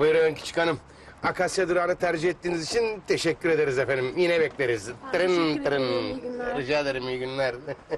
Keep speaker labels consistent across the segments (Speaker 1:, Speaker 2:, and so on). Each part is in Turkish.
Speaker 1: Buyurun küçük hanım. Akasya durağını tercih ettiğiniz için teşekkür ederiz efendim. Yine bekleriz.
Speaker 2: Teşekkür ederim, iyi günler.
Speaker 1: Rica ederim, iyi günler.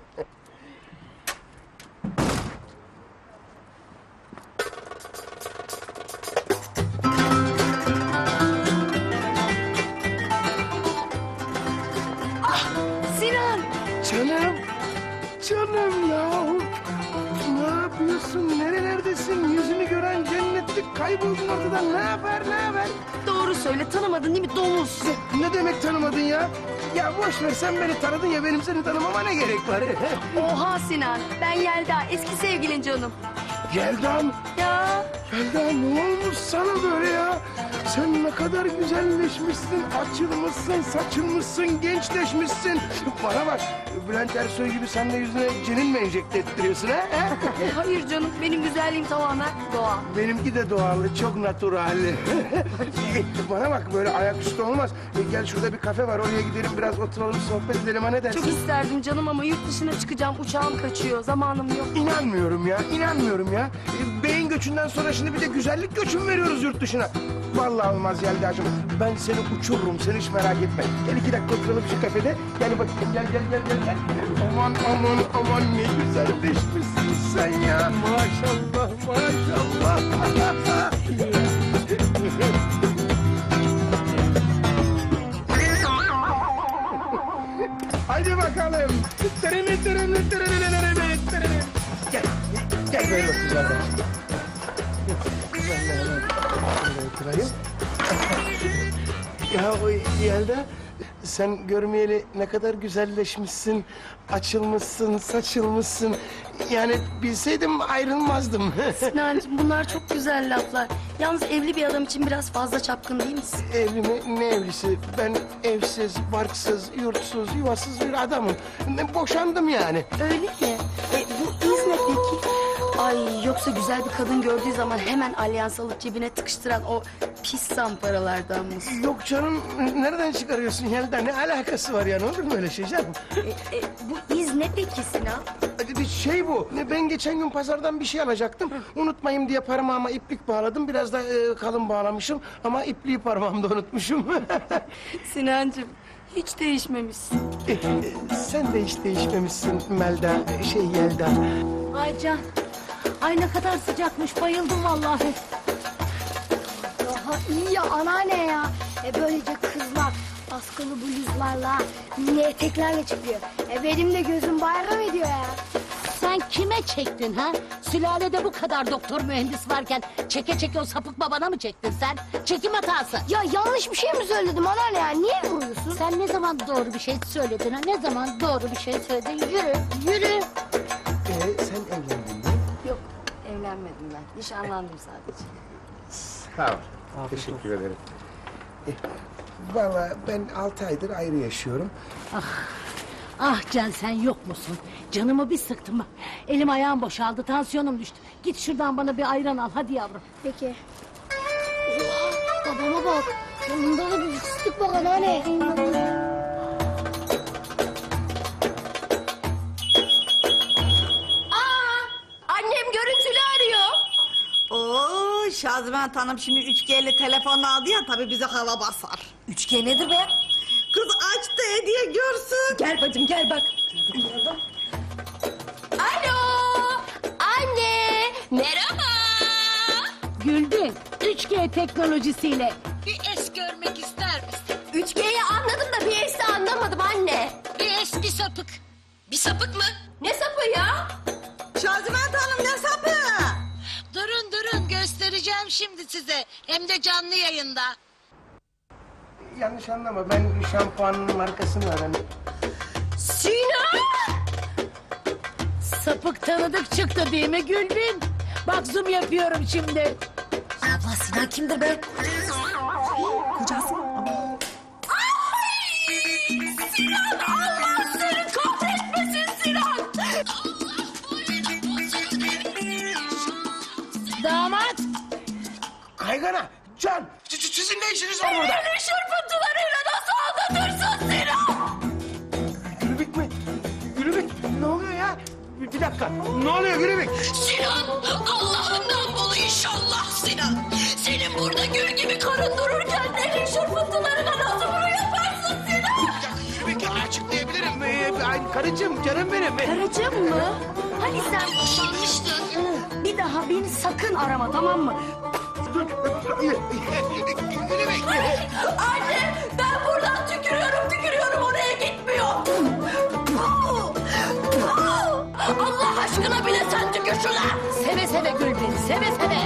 Speaker 2: Sinan!
Speaker 1: Canım, canım yahu. Ne yapıyorsun, nerelerdesin? Yüzünü gören cennetlik, kayboldun ortadan. Ne haber?
Speaker 2: Doğru söyle, tanımadın değil mi domuz?
Speaker 1: Ne demek tanımadın ya? Ya boş ver, sen beni tanıdın ya, benim seni tanımama ne gerek var?
Speaker 2: Oha Sinan, ben Yelda, eski sevgilin canım.
Speaker 1: Yelda mı?
Speaker 2: Ya
Speaker 1: Yelda ne olmuş sana böyle ya? Sen ne kadar güzelleşmişsin, açılmışsın, saçılmışsın, gençleşmişsin. Bana bak, Bülent Ersoy gibi sen de yüzüne cenin mi enjekte ettiriyorsun ha?
Speaker 2: hayır canım, benim güzelliğim tamamen doğal.
Speaker 1: Benimki de doğallı, çok natural. Bana bak, böyle ayaküstü olmaz. Gel şurada bir kafe var, oraya gidelim, biraz oturalım, sohbet edelim, ha ne dersin?
Speaker 2: Çok isterdim canım ama yurt dışına çıkacağım, uçağım kaçıyor, zamanım yok.
Speaker 1: İnanmıyorum ya. Beyin göçünden sonra şimdi bir de güzellik göçü mü veriyoruz yurt dışına? Vallahi olmaz Yelda'cığım. Ben seni uçururum, sen hiç merak etme. Gel 2 dakika oturalım şu kafede. Gel bakayım, gel. Aman ne güzelleşmişsin sen ya. Maşallah. Haydi bakalım. Gel böyle oturacağım ben. Oturayım. Ya o Yelda, sen görmeyeli ne kadar güzelleşmişsin, açılmışsın, saçılmışsın. Yani bilseydim ayrılmazdım.
Speaker 2: Sinancığım bunlar çok güzel laflar. Yalnız evli bir adam için biraz fazla çapkın değil misin?
Speaker 1: Evli mi? Ne evlisi? Ben evsiz, barksız, yurtsuz, yuvasız bir adamım. Boşandım yani.
Speaker 2: Öyle mi? Bu iz ne peki? Ay yoksa güzel bir kadın gördüğü zaman hemen alyans alıp cebine tıkıştıran o pis zamparalardan mısın?
Speaker 1: Yok canım, nereden çıkarıyorsun Yelda? Ne alakası var yani? Olur mu öyle şey canım?
Speaker 2: Bu iz ne peki Sinan?
Speaker 1: Bir şey bu. Ben geçen gün pazardan bir şey alacaktım. Unutmayayım diye parmağıma iplik bağladım. Biraz da kalın bağlamışım ama ipliği parmağımda unutmuşum.
Speaker 2: Sinancığım hiç değişmemişsin.
Speaker 1: Sen de hiç değişmemişsin Melda, Yelda.
Speaker 3: Ay Can, ay ne kadar sıcakmış, bayıldım vallahi.
Speaker 4: Daha iyi ya anneanne ya. Böylece kızlar askılı bluzlarla, mini eteklerle çıkıyor. Benim de gözüm bayram ediyor ya.
Speaker 3: Sen kime çektin ha? Sülalede bu kadar doktor mühendis varken çeke çeke o sapık babana mı çektin sen? Çekim hatası.
Speaker 4: Ya yanlış bir şey mi söyledim anneanne ya? Niye vuruyorsun?
Speaker 3: Sen ne zaman doğru bir şey söyledin ha? Ne zaman doğru bir şey söyledin? Yürü.
Speaker 1: Sen evlendin mi?
Speaker 2: Yok evlenmedim ben. Nişanlandım sadece.
Speaker 1: Sağ ol. Teşekkür ederim. Vallahi ben 6 aydır ayrı yaşıyorum.
Speaker 3: Ah Can sen yok musun? Canımı bir sıktım. Elim ayağım boşaldı, tansiyonum düştü. Git şuradan bana bir ayran al, hadi yavrum.
Speaker 4: Peki. Babama bak. Yanında da bir fıstık bak anneanne.
Speaker 2: Annem görüntülü arıyor.
Speaker 5: Oo Şaziment Hanım şimdi 3G'li telefon aldı ya tabii bize hava basar.
Speaker 2: 3G nedir be?
Speaker 5: Kız aç da hediye görsün.
Speaker 2: Gel bacım gel bak. Alo. Anne. Merhaba.
Speaker 3: Güldün, 3G teknolojisiyle. Bir es görmek ister misin?
Speaker 2: 3G'yi anladım da bir S'te anlamadım anne.
Speaker 3: Bir es, bir sapık.
Speaker 2: Bir sapık mı? Ne sapı ya?
Speaker 5: Şaziment Hanım ne sapı?
Speaker 3: Durun, göstereceğim şimdi size. Hem de canlı yayında.
Speaker 1: Yanlış anlama, ben şampuanın markasını öğrendim.
Speaker 2: Sinan.
Speaker 3: Sapık tanıdık çıktı değil mi Gülbin? Bak zoom yapıyorum şimdi.
Speaker 2: Abla Sinan kimdir be? Kocası mı? Sinan Allah seni kahretmesin Sinan.
Speaker 3: Damat.
Speaker 1: Kaygana, Can, sizin ne işiniz var burada?
Speaker 2: Beni şırpıntılarıyla nasıl aldatırsın Sinan?
Speaker 1: Gülübük mü? Gülübük, ne oluyor ya? Bir dakika. Ne oluyor Gülübük?
Speaker 6: Sinan, Allah'ından bul inşallah Sinan. Senin burada gül gibi karın dururken elin şırfıntılarına nasıl bunu yaparsın Sinan?
Speaker 1: Gülübük açıklayabilirim. Karıcığım, canım benim.
Speaker 2: Karıcığım mı? Hani sen boşanmıştın? Bir daha beni sakın arama, tamam mı?
Speaker 1: Gülübük.
Speaker 6: Anne, ben buradan tükürüyorum oraya gitmiyor. Allah aşkına bile sen tükür şuna.
Speaker 3: Seve seve gül beni, seve seve.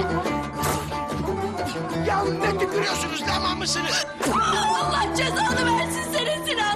Speaker 1: Ya ne tükürüyorsunuz, tamam mısınız?
Speaker 6: Allah cezanı versin